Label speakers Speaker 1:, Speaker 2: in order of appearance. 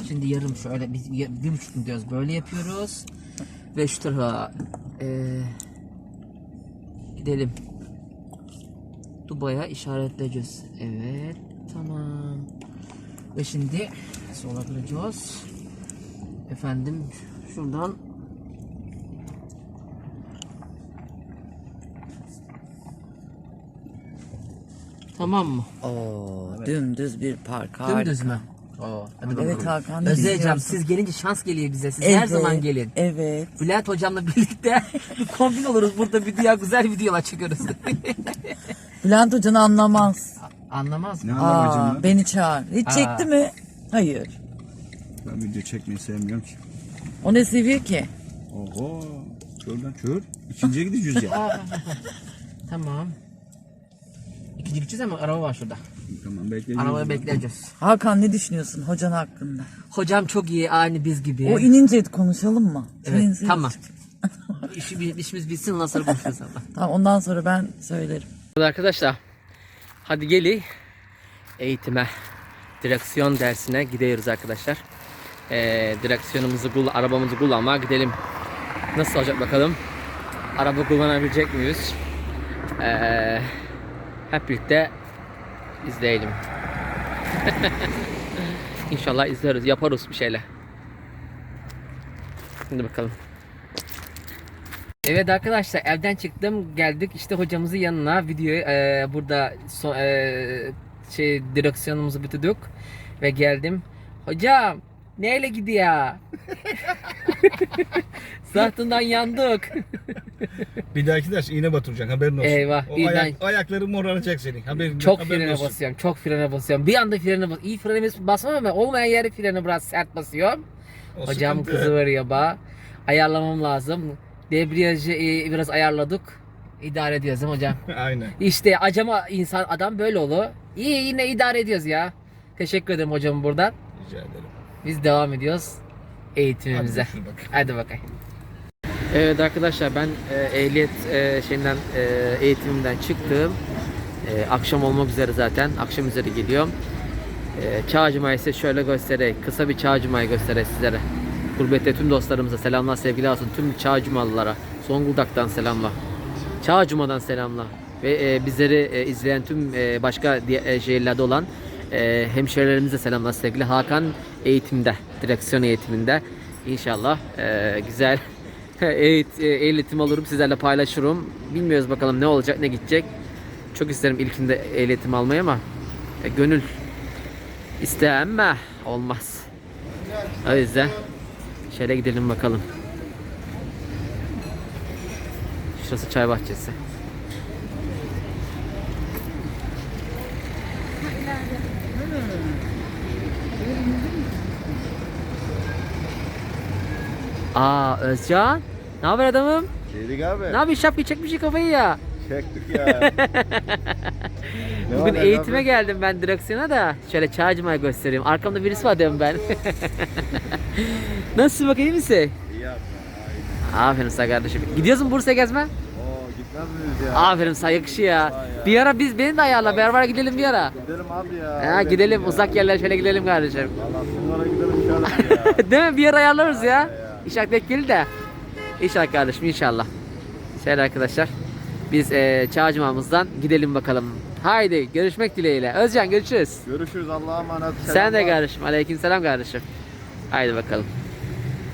Speaker 1: Şimdi yarım şöyle biz 1,5 diyoruz. Böyle yapıyoruz. Ve şu tarafa gidelim. Dubai'ye işaretleyeceğiz. Evet. Tamam. Ve şimdi sola gireceğiz. Efendim şuradan tamam mı?
Speaker 2: Oo, evet. Dümdüz bir park.
Speaker 1: Dümdüz mü? Oo, hadi bakalım.
Speaker 2: Evet Hakan.
Speaker 1: Özleyeceğim. Siz gelince şans geliyor bize. Siz
Speaker 2: evet,
Speaker 1: her zaman gelin.
Speaker 2: Evet.
Speaker 1: Bülent hocamla birlikte bir kombin oluruz burada güzel videolar çekiyoruz.
Speaker 2: Bülent hocanı anlamaz.
Speaker 1: Anlamaz mı?
Speaker 3: Ne anlamacım
Speaker 2: Beni çağır. Hiç çekti mi? Hayır.
Speaker 3: Ben video çekmeyi sevmiyorum ki.
Speaker 2: O ne seviyor ki?
Speaker 3: Oho. Kör lan kör. İkinciye gideceğiz ya.
Speaker 1: Tamam. İkinci gideceğiz ama araba var şurada.
Speaker 3: Tamam bekleyeceğiz.
Speaker 1: Arabayı bekleyeceğiz.
Speaker 2: Hakan ne düşünüyorsun hocan hakkında?
Speaker 1: Hocam çok iyi, aynı biz gibi.
Speaker 2: O inince konuşalım mı?
Speaker 1: Evet,
Speaker 2: İnince-
Speaker 1: tamam. İşimiz bitsin, ondan sonra konuşuruz ama.
Speaker 2: Tamam, ondan sonra ben söylerim.
Speaker 1: Arkadaşlar, hadi gelin eğitime, direksiyon dersine gidiyoruz arkadaşlar. Arabamızı kullanmaya gidelim. Nasıl olacak bakalım? Araba kullanabilecek miyiz? Hep birlikte izleyelim. İnşallah izleriz, yaparız bir şeyler. Şimdi bakalım. Evet arkadaşlar, evden çıktım, geldik işte hocamızın yanına, videoyu burada direksiyonumuzu bitirdik ve geldim. Hocam neyle gidiyor? Zahtından yandık.
Speaker 3: Bir dahaki ders iğne batıracaksın, haberin olsun.
Speaker 1: Eyvah,
Speaker 3: O
Speaker 1: iğne-
Speaker 3: ayakları moraracak senin.
Speaker 1: Çok
Speaker 3: haberin
Speaker 1: frene
Speaker 3: olsun.
Speaker 1: basıyorum, çok frene basıyorum. Bir anda frene bas. İyi frene basmam ama olmayan yere frene biraz sert basıyorum.
Speaker 3: O
Speaker 1: Hocam
Speaker 3: sıkıntı.
Speaker 1: kızı veriyor ba. Ayarlamam lazım. Debriyajı biraz ayarladık. İdare ediyoruz değil mi hocam?
Speaker 3: Aynen.
Speaker 1: İşte adam böyle olur. İyi, yine idare ediyoruz ya. Teşekkür ederim hocam buradan.
Speaker 3: Rica ederim.
Speaker 1: Biz devam ediyoruz eğitimimize.
Speaker 3: Hadi bakayım.
Speaker 1: Hadi bakayım. Evet arkadaşlar, ben ehliyet eğitimimden çıktım. Akşam olmak üzere zaten. Akşam üzeri geliyorum. Çağcımayı size şöyle göstereyim. Kısa bir Çağcımayı göstereyim sizlere. Gurbette tüm dostlarımıza selamlar, sevgiler olsun. Tüm Çağcımalılara Zonguldak'tan selamlar. Çağcıma'dan selamlar. Ve bizleri izleyen tüm başka şehirlerde olan hemşehrilerimize selamlar, sevgili. Hakan eğitimde, direksiyon eğitiminde. İnşallah güzel eğitim alırım, sizlerle paylaşırım. Bilmiyoruz bakalım ne olacak, ne gidecek. Çok isterim ilkinde eğitim almayı ama gönül ister ama olmaz. O yüzden şöyle gidelim bakalım. Şurası çay bahçesi. Özcan. Ne haber adamım?
Speaker 4: Şeydik abi.
Speaker 1: Ne yapıyorsun? Şapkayı çekmişsin kafayı ya.
Speaker 4: Çektik ya.
Speaker 1: Bugün
Speaker 4: var,
Speaker 1: eğitime
Speaker 4: abi?
Speaker 1: geldim ben direksiyona da. Şöyle Çağcıma'yı göstereyim. Arkamda birisi var diyorum ben. Nasılsın bakayım, iyi misin?
Speaker 4: İyi abi.
Speaker 1: Aferin sana kardeşim. Gidiyorsun Bursa'ya gezme?
Speaker 4: Oo gitmez miyiz ya?
Speaker 1: Aferin sana, yakışıyor ya. Bir ara beni de ayarla, beraber gidelim bir ara.
Speaker 4: Gidelim abi ya.
Speaker 1: Ha,
Speaker 4: Öyle
Speaker 1: gidelim
Speaker 4: ya.
Speaker 1: uzak yerlere şöyle gidelim kardeşim.
Speaker 4: Valla bunlara gidelim inşallah ya.
Speaker 1: Değil mi? Bir yer ayarlarız ya.
Speaker 4: Ya.
Speaker 1: İnşallah denk gelir de. İnşallah kardeşim, inşallah. Şöyle arkadaşlar. Biz Çağcıma'mızdan gidelim bakalım. Haydi görüşmek dileğiyle. Özcan görüşürüz.
Speaker 4: Görüşürüz, Allah'a emanet.
Speaker 1: Sen de
Speaker 4: Selamlar.
Speaker 1: kardeşim. Aleykümselam kardeşim. Haydi bakalım.